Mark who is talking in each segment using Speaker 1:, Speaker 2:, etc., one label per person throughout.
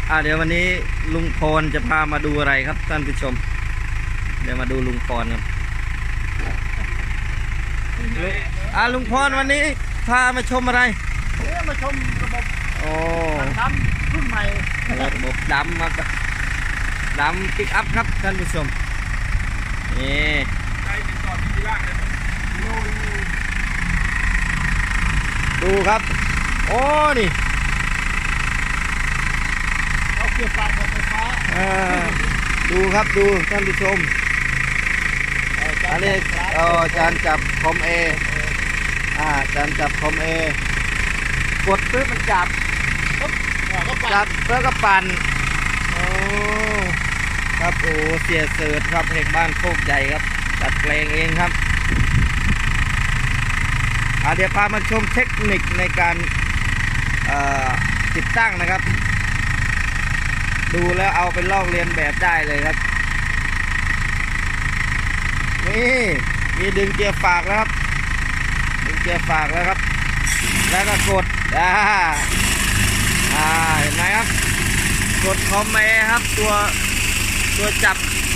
Speaker 1: เดี๋ยววันนี้ลุงพรจะพามาดูอะไรครับท่านผู้ชมเดี๋ยวมาดูลุงพรครับลุงพรวันนี้พามาชมอะไร
Speaker 2: มาชมระบบดำรุ่นใหม่
Speaker 1: ระบบดำครับดำปิกอัพครับท่านผู้ชมนี่ดูครับโอ้นี่
Speaker 2: เอาเกียร์ไฟฟ้า
Speaker 1: ดูครับดูท่านผู้ชมอันนี้จานจับคอมเอจานจับคอมเอกดปึ๊บมันจับแล้วก็ปั่นโอ้ครับโอ้เสียเสิร์ชครับเอกบ้านโคกใหญ่ครับจัดแปลงเองครับเดี๋ยวพามาชมเทคนิคในการติดตั้งนะครับดูแล้วเอาไปลอกเรียนแบบได้เลยครับนี่มีดึงเกียร์ฝากแล้วครับดึงเกียร์ฝากแล้วครับแล้วก็กดเห็นไหมครับกดคอมเมครับตัวจับ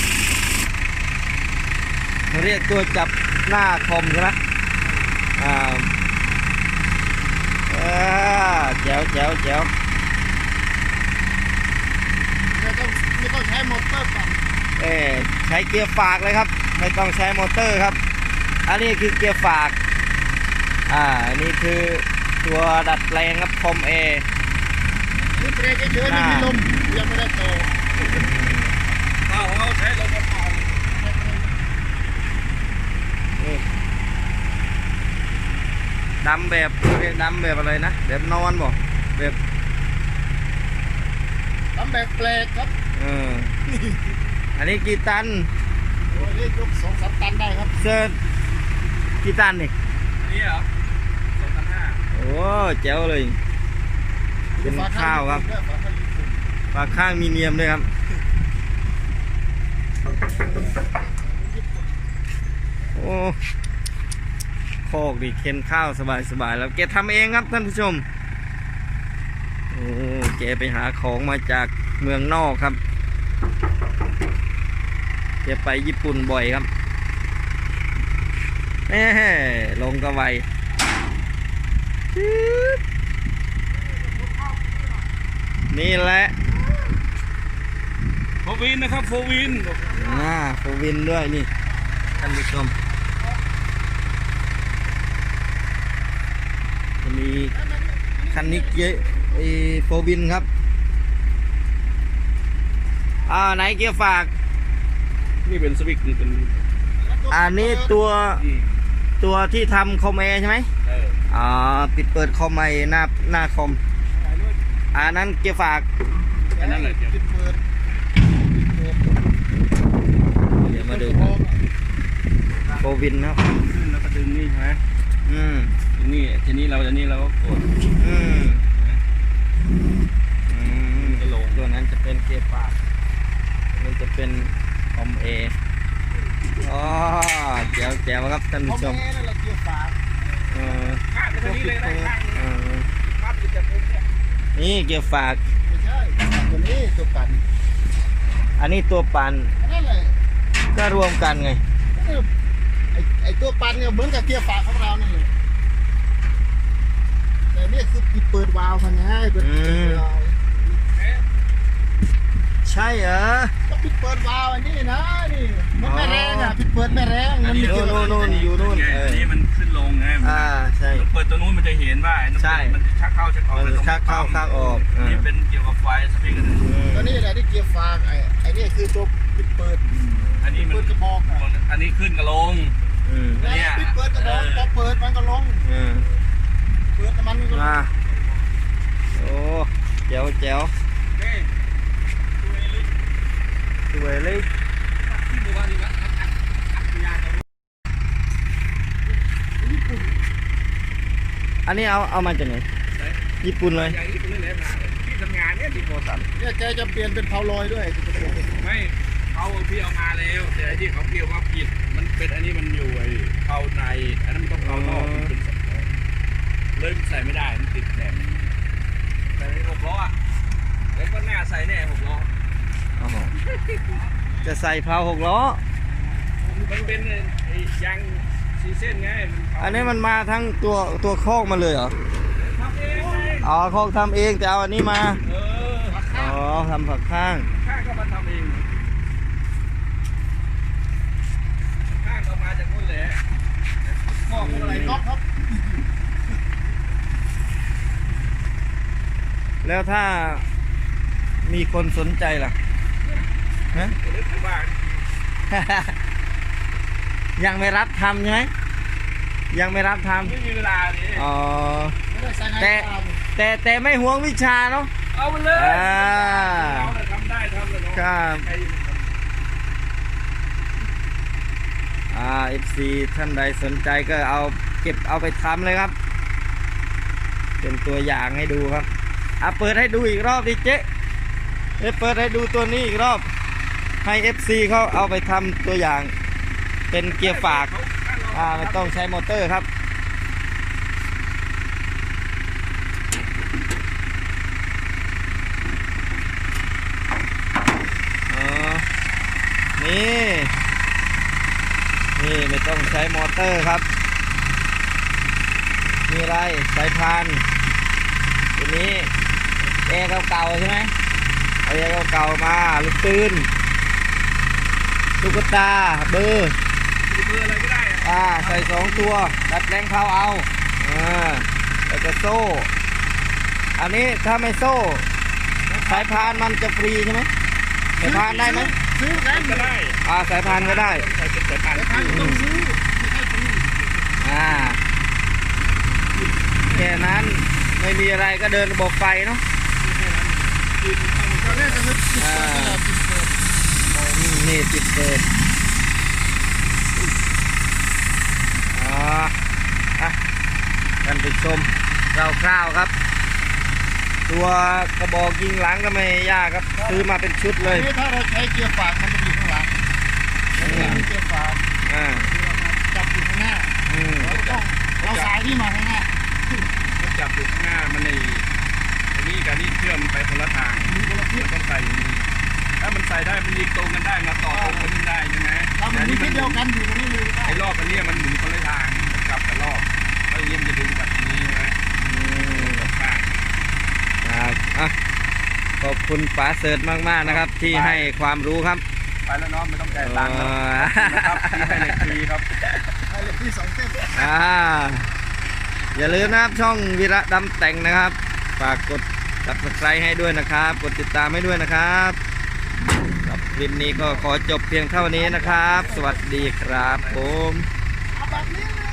Speaker 1: เรียกตัวจับหน้าคอมใช่ไหมแจ๋ว
Speaker 2: ไม่ต้องใช้มอเตอร์ปั่น
Speaker 1: ใช้เกียร์ฝากเลยครับไม่ต้องใช้มอเตอร์ครับอันนี้คือเกียร์ฝากอันนี้คือตัวดัดแปลงครับคอม
Speaker 2: นี่เบรกเฉยๆไม่มีลมยังไม่ได้โตเขาใช้ลมมาเป่า
Speaker 1: ดำแบบอะไรนะแบบนอนบ่แบบ
Speaker 2: ดำแบบแปลกครับ
Speaker 1: อันนี้กี่ตัน
Speaker 2: โอ้ยยก2-3 ตันได้ครับ
Speaker 1: เซิร์กี่ตันนี่
Speaker 3: นี่เหรอ2,500
Speaker 1: โอ้แจ๋วเลยเป็นข้าวครับฝาข้างมีเนียมด้วยครับโอ้โคกดิเข็นข้าวสบายแล้วแกทำเองครับท่านผู้ชมโอ้แกไปหาของมาจากเมืองนอกครับแกไปญี่ปุ่นบ่อยครับลงกระไวนี่แหละ
Speaker 3: โฟวินนะครับโฟวิน
Speaker 1: โฟวินด้วยนี่ท่านผู้ชมมีคันนี้เยอะโฟวินครับไหนเกียร์ฝาก
Speaker 3: นี่เป็นสวิกนี่เป็น
Speaker 1: อันนี้ตัวที่ทำคอมเมใช่ไหมปิดเปิดคอมเมหน้าคอมอันนั้นเกียร์ฝาก
Speaker 3: อันนั้นแหละ
Speaker 2: ปิดเปิด
Speaker 1: เดี๋ยวมาดูโฟวินครับ
Speaker 3: แล้วก็ดึงนี่ใช่ไหมดึงนี่ทีนี้เราก็กด
Speaker 1: จะลงตัวนั้นจะเป็นเกียร์ฝากมันจะเป็นคอมเอแจ๋วครับท่านผู้ชมนี่เกียร์ฝาก
Speaker 2: ไม่ใช่ตัวนี้ตัวปั่น
Speaker 1: อันนี้ตัวปั่น
Speaker 2: นั่นแหละ
Speaker 1: ก็รวมกันไง
Speaker 2: ไอตัวปั่นเนี่ยเหมือนกับเกียร์ฝากของเรานี่เลยแต่นี่คือเปิดวาล์วพันง่ายเปิด
Speaker 1: ใช่เหรอ
Speaker 2: ก็ปิดเปิดวาล์วอันนี้นะนี่มันไม่แรงปิดเปิดไม่แรง
Speaker 1: มันอยู่นู่น
Speaker 3: อันนี้มันขึ้นลงไง
Speaker 1: ใช่
Speaker 3: เปิดตัวนู้นมันจะเห็นว่า
Speaker 1: ใช่
Speaker 3: มันชักเข้าชักออก
Speaker 1: ชักเข้าออก
Speaker 3: นี่เป็นเกี่ยวกับไฟสปริงกัน
Speaker 2: ตัวนี้แหละที่เกียร์ฝากไอ้นี่คือตัวปิดเปิด
Speaker 3: อันนี้มัน
Speaker 2: กระบอก
Speaker 3: อันนี้ขึ้นกับลง
Speaker 2: อันนี้ปิดเปิดกระบอกพอเปิดมันก็ลงเปิดมันก็ลง
Speaker 1: โอ้แจ๋วสวยเลยอันนี้เอามาจากไหนญี่ปุ่นเลย
Speaker 3: ที่ทำงานเนี่ยที่โคสัน
Speaker 2: เนี่ยแกจะเปลี่ยนเป็นเพาลอยด้วย
Speaker 3: ไม่เขาพี่เอามาแล้วแต่ที่เขาเกี่ยวว่าผิดมันเป็นอันนี้มันอยู่ไอ้เพาในอันนั้นมันต้องเพานอกเป็นเลยใส่ไม่ได้มันติดแหลมแต่ใน6 ล้อแล้วก็หน้าใส่แน่6 ล้อ
Speaker 1: อ๋อจะใส่เพลา6 ล้อ
Speaker 3: มันเป็นไอ้ยางซีเส้นไงมั
Speaker 1: อันนี้มันมาทั้งตัวคอกมาเลยเหรอ
Speaker 3: ทำเองไง
Speaker 1: อ๋อคอกทำเองแต่เอาอันนี้มา
Speaker 3: เออ
Speaker 1: อ๋อทำผักข้าง
Speaker 3: ข้างก็มาทำเองข้างก็มาจากนู่นแหละ
Speaker 2: ข้อพวกอะไรน็อตครับ
Speaker 1: แล้วถ้ามีคนสนใจล่ะฮะ
Speaker 3: เดี๋ยวว่า
Speaker 1: ยังไม่รับทำใช่ไหมยังไม่รับท
Speaker 3: ไม่มีเวลาดิ
Speaker 1: ำอ๋อ
Speaker 2: ไม่ได้ใส่ใน
Speaker 1: แต่
Speaker 2: ตาเลย
Speaker 1: แต่ไม่ห่วงวิชาเนาะ
Speaker 3: เอาไปเลย
Speaker 1: อ่า
Speaker 3: เราเนี่ยทำได้ทำเลยเนาะ
Speaker 1: ครับ
Speaker 3: ใคร
Speaker 1: FC ท่านใดสนใจก็เอาเก็บเอาไปทำเลยครับ เป็นตัวอย่างให้ดูครับเปิดให้ดูอีกรอบดิเจ๊เปิดให้ดูตัวนี้อีกรอบให้ FC เขาเอาไปทำตัวอย่างเป็นเกียร์ฝากไม่ต้องใช้มอเตอร์ครับนี่ไม่ต้องใช้มอเตอร์ครับมีอะไรสายพานตัวนี้แอร์เก่าๆใช่ไหมเอาแอร์เก่าๆมาลูกปืนตุ๊กตาเบอร์
Speaker 3: เบอร์อะไรก็ได้อะ
Speaker 1: ใส่2 ตัวดัดแปลงเข้าเอาแล้วก็โซ่อันนี้ถ้าไม่โซ่สายพานมันจะฟรีใช่ไหมสายพานได้ไหม
Speaker 2: ซื้อกัน
Speaker 3: ก็ได้
Speaker 1: สายพานก็ได้
Speaker 3: ใส่เป็นสายพาน
Speaker 2: แต่ทางต้องซื้อไม่ใช่ฟรี
Speaker 1: แค่นั้นไม่มีอะไรก็เดินระบบไฟเนาะ
Speaker 2: ตอนแรกจะนึกติดเปิดตลอดติดเปิด
Speaker 1: นี่ติดเปิดกันไปชมคร่าวๆครับ ตัวกระบอกยิงหลังก็ไม่ยากครับซื้อมาเป็นชุดเลย
Speaker 2: นี่ถ้าเราใช้เกียร์ฝากมันจะอยู่ข้างหลังเกียร์ฝาก จับอยู่ข้างหน้าเราต้องเอาสายที่มาข้างหน้า
Speaker 3: มันจับอยู่ข้างหน้ามันในอันนี้กับนี่เชื่อมไปคนละทาง
Speaker 2: มีคนละทิศ
Speaker 3: มันต้องใส่อย่างนี้ถ้ามันใส่ได้มันยิงตรงกันได้มาต่อตรงกันได้ใช่ไหม
Speaker 2: ถ้ามันมีทิศเดียวกันอยู่ตรงนี้เลยได้
Speaker 3: ไอ้รอบอันนี้มันหมุนคนละทางกลับกับรอบแล้วอย่างนี้มันจะดึงแบบนี้ใช่ไหมกับข้าง
Speaker 1: ครับขอบคุณป๋าเสิร์ชมากๆนะครับ ที่ให้ความรู้ครับ
Speaker 3: ไปแล้วเนาะไม่ต้องจ่ายตังค์นะครับที่ให้เหล็กฟรีครับ
Speaker 2: ให้เหล็กที่2 เส้น
Speaker 1: อย่าลืมนะครับช่องวีระดำแต่งนะครับฝากกด Subscribe ให้ด้วยนะครับกดติดตามให้ด้วยนะครับครับคลิปนี้ก็ขอจบเพียงเท่านี้นะครับ สวัสดีครับผม
Speaker 2: เอาแบบนี้เลย